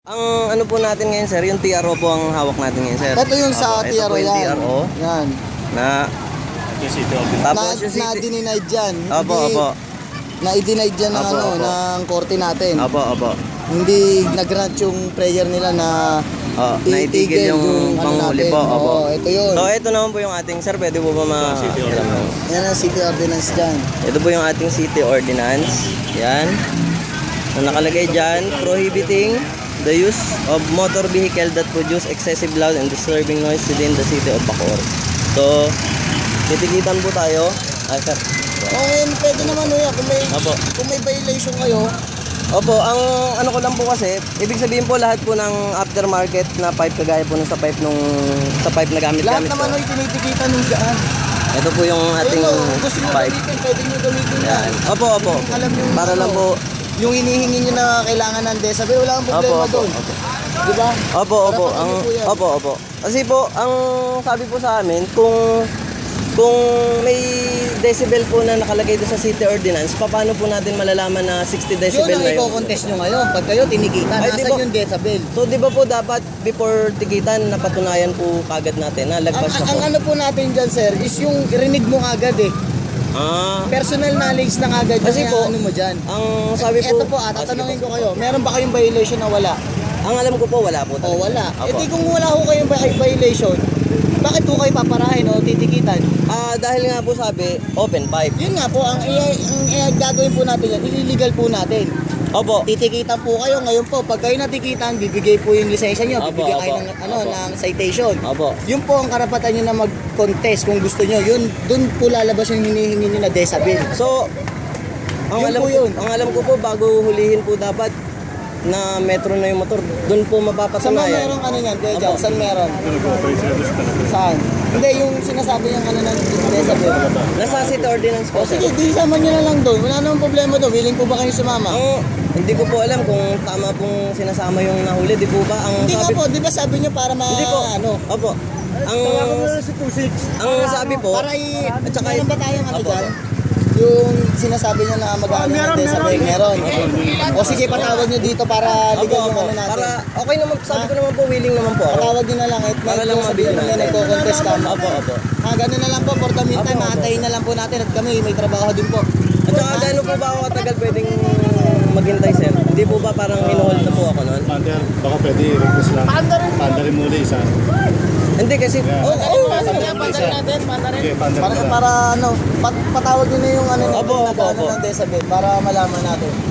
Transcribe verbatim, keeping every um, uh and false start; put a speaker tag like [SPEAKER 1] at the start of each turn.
[SPEAKER 1] Ang ano po natin ngayon sir, yung T R O po ang hawak natin ngayon sir.
[SPEAKER 2] Ito yung sa
[SPEAKER 1] Opo,
[SPEAKER 2] T R O
[SPEAKER 1] ito po yung
[SPEAKER 2] yan.
[SPEAKER 1] T R O
[SPEAKER 2] Yan.
[SPEAKER 1] na
[SPEAKER 2] Na,
[SPEAKER 1] tapos yung
[SPEAKER 2] na
[SPEAKER 1] city.
[SPEAKER 2] dininied dyan.
[SPEAKER 1] Opo,
[SPEAKER 2] Hindi-
[SPEAKER 1] opo.
[SPEAKER 2] Na i-denied dyan ng,
[SPEAKER 1] Opo,
[SPEAKER 2] ano,
[SPEAKER 1] opo.
[SPEAKER 2] ng korte natin.
[SPEAKER 1] Opo, opo.
[SPEAKER 2] Hindi nag-grant yung prayer nila na
[SPEAKER 1] Oh, naitigil yung panghuli po. Opo.
[SPEAKER 2] Oo, ito yun.
[SPEAKER 1] So ito naman po yung ating sir, pwede po ba ma alam mo?
[SPEAKER 2] Yan ang city ordinance dyan.
[SPEAKER 1] Ito po yung ating city ordinance. Yan. Na nakalagay dyan, prohibiting the use of motor vehicle that produce excessive loud and disturbing noise within the city of Bacoor. So, titikitan po tayo. Ah, sir.
[SPEAKER 2] Okay, pwede naman o yan. Kung may,
[SPEAKER 1] Opo.
[SPEAKER 2] kung may violation kayo,
[SPEAKER 1] Opo, ang ano ko lang po kasi, ibig sabihin po lahat po ng aftermarket na pipe kagaya po nung sa pipe nung sa pipe na
[SPEAKER 2] lahat
[SPEAKER 1] gamit-gamit
[SPEAKER 2] naman
[SPEAKER 1] ko.
[SPEAKER 2] ay tinitikitan ng daan.
[SPEAKER 1] Ito po yung ating
[SPEAKER 2] Ayun, o, gusto nyo
[SPEAKER 1] pipe.
[SPEAKER 2] gamitin, pwede nyo gamitin yan.
[SPEAKER 1] Opo, opo.
[SPEAKER 2] Alam nyo,
[SPEAKER 1] Para lang
[SPEAKER 2] ano,
[SPEAKER 1] po.
[SPEAKER 2] Yung hinihingi nyo na kailangan ng decibel, wala kang problema
[SPEAKER 1] Opo, opo,
[SPEAKER 2] doon.
[SPEAKER 1] opo.
[SPEAKER 2] Di ba?
[SPEAKER 1] Opo, opo.
[SPEAKER 2] Karapatan
[SPEAKER 1] Ang
[SPEAKER 2] niyo po yan.
[SPEAKER 1] opo, opo. Kasi po, ang sabi po sa amin, kung kung may decibel po na nakalagay doon sa city ordinance, paano po natin malalaman na sixty
[SPEAKER 2] Yun
[SPEAKER 1] decibel
[SPEAKER 2] ang
[SPEAKER 1] na yun?
[SPEAKER 2] i-contest nyo ngayon. Pag kayo tinikitan,
[SPEAKER 1] Ay, di
[SPEAKER 2] nasan
[SPEAKER 1] ba-
[SPEAKER 2] yung decibel?
[SPEAKER 1] So, di ba po dapat before tikitan, napatunayan po kagad natin na
[SPEAKER 2] Ang,
[SPEAKER 1] lagpas na
[SPEAKER 2] ang
[SPEAKER 1] po?
[SPEAKER 2] ano po natin dyan, sir, is yung rinig mo agad eh.
[SPEAKER 1] Ah,
[SPEAKER 2] Personal knowledge na agad
[SPEAKER 1] Kasi
[SPEAKER 2] yung
[SPEAKER 1] po,
[SPEAKER 2] ano mo dyan.
[SPEAKER 1] ang sabi po...
[SPEAKER 2] Ito po, ah,
[SPEAKER 1] Ah, sige
[SPEAKER 2] tatanungin
[SPEAKER 1] po.
[SPEAKER 2] ko kayo, meron ba kayong violation na wala?
[SPEAKER 1] Ang alam ko po, wala po
[SPEAKER 2] O
[SPEAKER 1] talaga.
[SPEAKER 2] wala.
[SPEAKER 1] Opo.
[SPEAKER 2] E di kung wala ko kayong vi- violation, bakit po kayo paparahin o titikitan?
[SPEAKER 1] Ah, dahil nga po sabi, open pipe.
[SPEAKER 2] Yun nga po, ang, i- ang, i- gagawin po natin yan, illegal po natin.
[SPEAKER 1] Opo.
[SPEAKER 2] Titikitan po kayo ngayon po. Pag kayo natikitan, bibigay po yung lisensya nyo,
[SPEAKER 1] Opo,
[SPEAKER 2] bibigyan kayo
[SPEAKER 1] opo,
[SPEAKER 2] ng, ano,
[SPEAKER 1] opo.
[SPEAKER 2] ng citation.
[SPEAKER 1] Opo.
[SPEAKER 2] Yun po ang karapatan nyo na mag-contest kung gusto nyo. Yun, dun po lalabas yung hinihingi nyo na decibel.
[SPEAKER 1] So, ang
[SPEAKER 2] Yun
[SPEAKER 1] alam
[SPEAKER 2] po
[SPEAKER 1] ko,
[SPEAKER 2] yun.
[SPEAKER 1] ang alam ko po bago hulihin po dapat na metro na yung motor, doon po
[SPEAKER 2] Saan ba
[SPEAKER 1] mapapatunayan.
[SPEAKER 2] meron ano yan, Kuya
[SPEAKER 1] Opo.
[SPEAKER 2] Jack? Saan meron? Saan? Hindi, yung sinasabi niyang ano ng decibel.
[SPEAKER 1] Nasa city ordinance po,
[SPEAKER 2] O
[SPEAKER 1] sir.
[SPEAKER 2] sige, di sama nyo na lang doon. Wala namang problema doon. Willing po ba kayo sumama?
[SPEAKER 1] Ang hindi ko po alam kung tama pong sinasama yung nahuli, di po ba? Ang
[SPEAKER 2] Hindi nga
[SPEAKER 1] sabi
[SPEAKER 2] po, di ba sabi niyo para ma...
[SPEAKER 1] Hindi po.
[SPEAKER 2] Ano?
[SPEAKER 1] Opo. Ang ang sabi po,
[SPEAKER 2] Para i...
[SPEAKER 1] At saka-
[SPEAKER 2] meron ba tayong ano
[SPEAKER 1] Opo.
[SPEAKER 2] dyan? Yung sinasabi niya na mag-ano ng decibel, meron. O sige, patawag niyo dito para
[SPEAKER 1] Opo,
[SPEAKER 2] ligal yung
[SPEAKER 1] opo.
[SPEAKER 2] ano natin.
[SPEAKER 1] Para okay naman, sabi ko naman po, willing naman po ako.
[SPEAKER 2] Patawag niyo na lang. At
[SPEAKER 1] Para lang mabili
[SPEAKER 2] na
[SPEAKER 1] natin.
[SPEAKER 2] nagko-contest ka.
[SPEAKER 1] Opo, opo.
[SPEAKER 2] Ah, ganun na lang po. For the meantime,
[SPEAKER 1] Opo, opo.
[SPEAKER 2] maatayin na lang po natin at kami may trabaho din po.
[SPEAKER 1] At saka gaano po ba ako katagal pwedeng maghintay, sir? Hindi po ba parang hinuhold na po ako noon?
[SPEAKER 3] Pander, baka pwede request lang. Pandarin muli isa.
[SPEAKER 1] Hindi kasi,
[SPEAKER 3] Yeah.
[SPEAKER 1] oh, oh,
[SPEAKER 2] Sabi nga, pandarin natin, pandarin.
[SPEAKER 3] Okay, pandarin
[SPEAKER 2] Para,
[SPEAKER 3] lang.
[SPEAKER 2] para ano, pat, patawag niyo na yung ano,
[SPEAKER 1] Opo,
[SPEAKER 2] yung
[SPEAKER 1] opo,
[SPEAKER 2] nag-ano
[SPEAKER 1] opo.
[SPEAKER 2] ng decibel para malaman natin.